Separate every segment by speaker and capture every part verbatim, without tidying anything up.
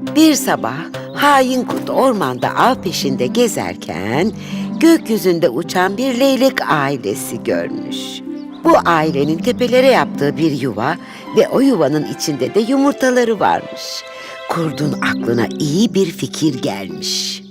Speaker 1: Bir sabah hain kurt ormanda av peşinde gezerken gökyüzünde uçan bir leylek ailesi görmüş. Bu ailenin tepelere yaptığı bir yuva ve o yuvanın içinde de yumurtaları varmış. Kurdun aklına iyi bir fikir gelmiş.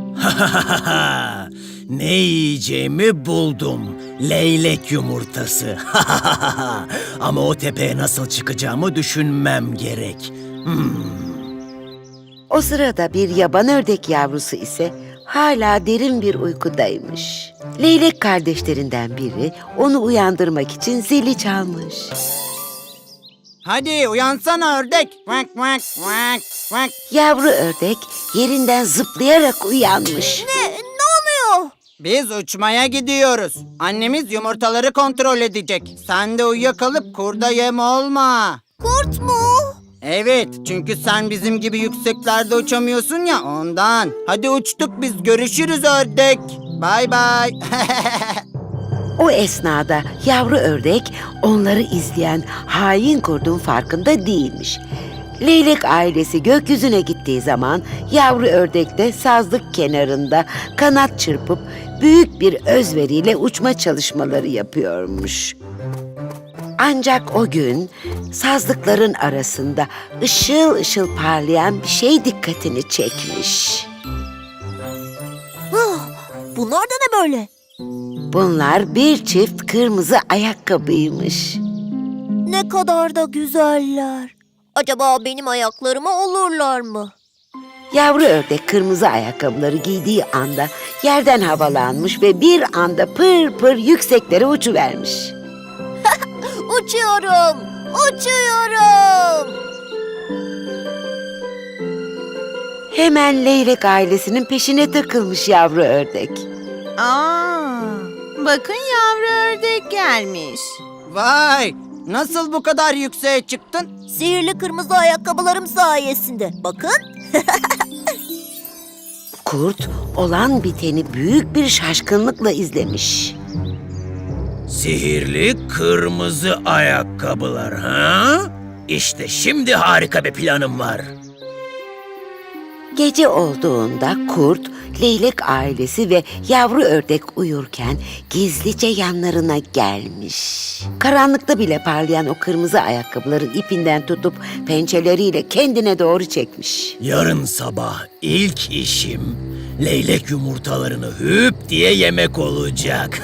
Speaker 2: Ne yiyeceğimi buldum. Leylek yumurtası. Ama o tepeye nasıl çıkacağımı düşünmem gerek. Hmm.
Speaker 1: O sırada bir yaban ördek yavrusu ise hala derin bir uykudaymış. Leylek kardeşlerinden biri onu uyandırmak için zili çalmış.
Speaker 3: Hadi uyansana ördek. Vak vak vak vak.
Speaker 1: Yavru ördek yerinden zıplayarak uyanmış.
Speaker 4: Ne? Ne oluyor?
Speaker 3: Biz uçmaya gidiyoruz. Annemiz yumurtaları kontrol edecek. Sen de uyuyakalıp kurda yem olma.
Speaker 4: Kurt mu?
Speaker 3: Evet, çünkü sen bizim gibi yükseklerde uçamıyorsun ya ondan. Hadi uçtuk biz, görüşürüz ördek. Bay bay.
Speaker 1: O esnada yavru ördek onları izleyen hain kurdun farkında değilmiş. Leylek ailesi gökyüzüne gittiği zaman yavru ördek de sazlık kenarında kanat çırpıp büyük bir özveriyle uçma çalışmaları yapıyormuş. Ancak o gün sazlıkların arasında ışıl ışıl parlayan bir şey dikkatini çekmiş.
Speaker 4: Ah, bunlar da ne böyle?
Speaker 1: Bunlar bir çift kırmızı ayakkabıymış.
Speaker 4: Ne kadar da güzeller. Acaba benim ayaklarıma olurlar mı?
Speaker 1: Yavru ördek kırmızı ayakkabıları giydiği anda yerden havalanmış ve bir anda pır pır yükseklere uçuvermiş.
Speaker 4: Uçuyorum, uçuyorum.
Speaker 1: Hemen leylek ailesinin peşine takılmış yavru ördek.
Speaker 5: Aa, bakın yavru ördek gelmiş.
Speaker 3: Vay, nasıl bu kadar yükseğe çıktın?
Speaker 4: Sihirli kırmızı ayakkabılarım sayesinde. Bakın.
Speaker 1: Kurt olan biteni büyük bir şaşkınlıkla izlemiş.
Speaker 2: Sihirli kırmızı ayakkabılar ha? İşte şimdi harika bir planım var.
Speaker 1: Gece olduğunda kurt, leylek ailesi ve yavru ördek uyurken gizlice yanlarına gelmiş. Karanlıkta bile parlayan o kırmızı ayakkabıların ipinden tutup pençeleriyle kendine doğru çekmiş.
Speaker 2: Yarın sabah ilk işim leylek yumurtalarını hüp diye yemek olacak.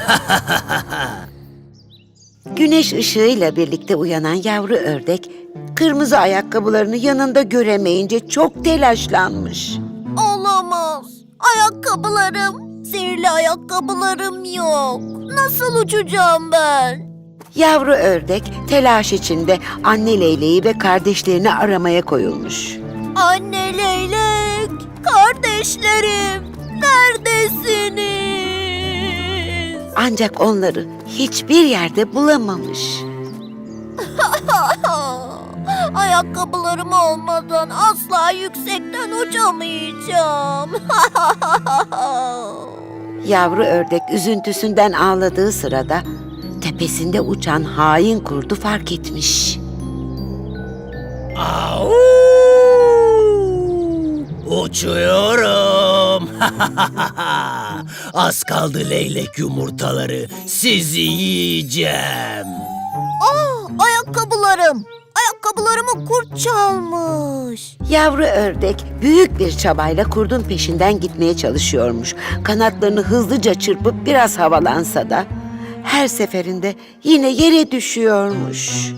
Speaker 1: Güneş ışığıyla birlikte uyanan yavru ördek, kırmızı ayakkabılarını yanında göremeyince çok telaşlanmış.
Speaker 4: Olamaz. Ayakkabılarım. Sihirli ayakkabılarım yok. Nasıl uçacağım ben?
Speaker 1: Yavru ördek telaş içinde anne leyleği ve kardeşlerini aramaya koyulmuş.
Speaker 4: Anne leylek, kardeşlerim, neredesiniz?
Speaker 1: Ancak onları hiçbir yerde bulamamış.
Speaker 4: Ayakkabılarım olmadan asla yüksekten uçamayacağım.
Speaker 1: Yavru ördek üzüntüsünden ağladığı sırada tepesinde uçan hain kurdu fark etmiş.
Speaker 2: Au! Uçuyorum. Az kaldı leylek yumurtaları. Sizi yiyeceğim.
Speaker 4: Aa, ayakkabılarım. Ayakkabılarımı kurt çalmış.
Speaker 1: Yavru ördek büyük bir çabayla kurdun peşinden gitmeye çalışıyormuş. Kanatlarını hızlıca çırpıp biraz havalansa da her seferinde yine yere düşüyormuş.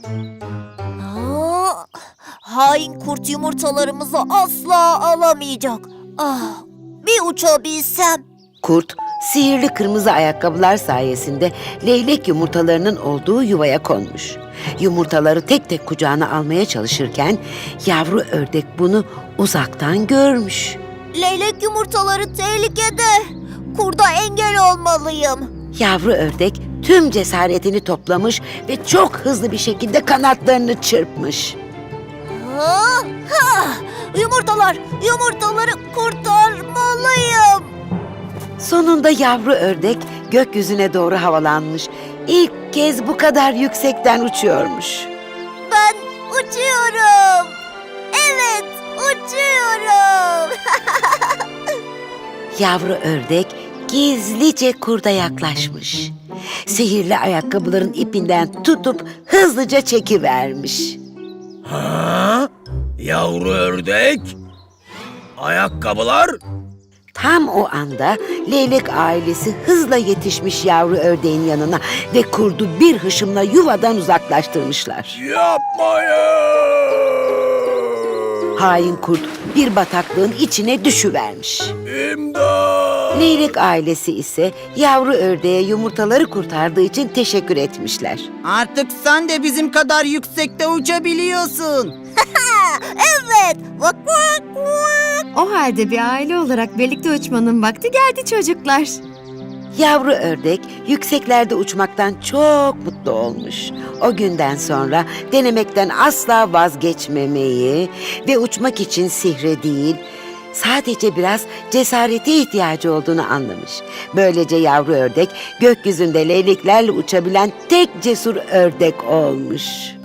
Speaker 4: Aa, hain kurt yumurtalarımızı asla alamayacak. Ah, bir uçabilsem.
Speaker 1: Kurt, sihirli kırmızı ayakkabılar sayesinde leylek yumurtalarının olduğu yuvaya konmuş. Yumurtaları tek tek kucağına almaya çalışırken yavru ördek bunu uzaktan görmüş.
Speaker 4: Leylek yumurtaları tehlikede. Kurda engel olmalıyım.
Speaker 1: Yavru ördek tüm cesaretini toplamış ve çok hızlı bir şekilde kanatlarını çırpmış.
Speaker 4: Ha, ha, yumurtalar, yumurtaları kurtarmalıyım.
Speaker 1: Sonunda yavru ördek gökyüzüne doğru havalanmış. İlk kez bu kadar yüksekten uçuyormuş.
Speaker 4: Ben uçuyorum. Evet, uçuyorum.
Speaker 1: yavru ördek gizlice kurda yaklaşmış. Sihirli ayakkabıların ipinden tutup hızlıca çekivermiş.
Speaker 2: Ha? Yavru ördek? Ayakkabılar?
Speaker 1: Tam o anda leylek ailesi hızla yetişmiş yavru ördeğin yanına ve kurdu bir hışımla yuvadan uzaklaştırmışlar.
Speaker 2: Yapmayın!
Speaker 1: Hain kurt bir bataklığın içine düşüvermiş.
Speaker 2: İmdat!
Speaker 1: Leylek ailesi ise yavru ördeğe yumurtaları kurtardığı için teşekkür etmişler.
Speaker 3: Artık sen de bizim kadar yüksekte uçabiliyorsun.
Speaker 4: Evet. Vak vak vak.
Speaker 6: O halde bir aile olarak birlikte uçmanın vakti geldi çocuklar.
Speaker 1: Yavru ördek yükseklerde uçmaktan çok mutlu olmuş. O günden sonra denemekten asla vazgeçmemeyi ve uçmak için sihre değil, sadece biraz cesarete ihtiyacı olduğunu anlamış. Böylece yavru ördek gökyüzünde leyleklerle uçabilen tek cesur ördek olmuş.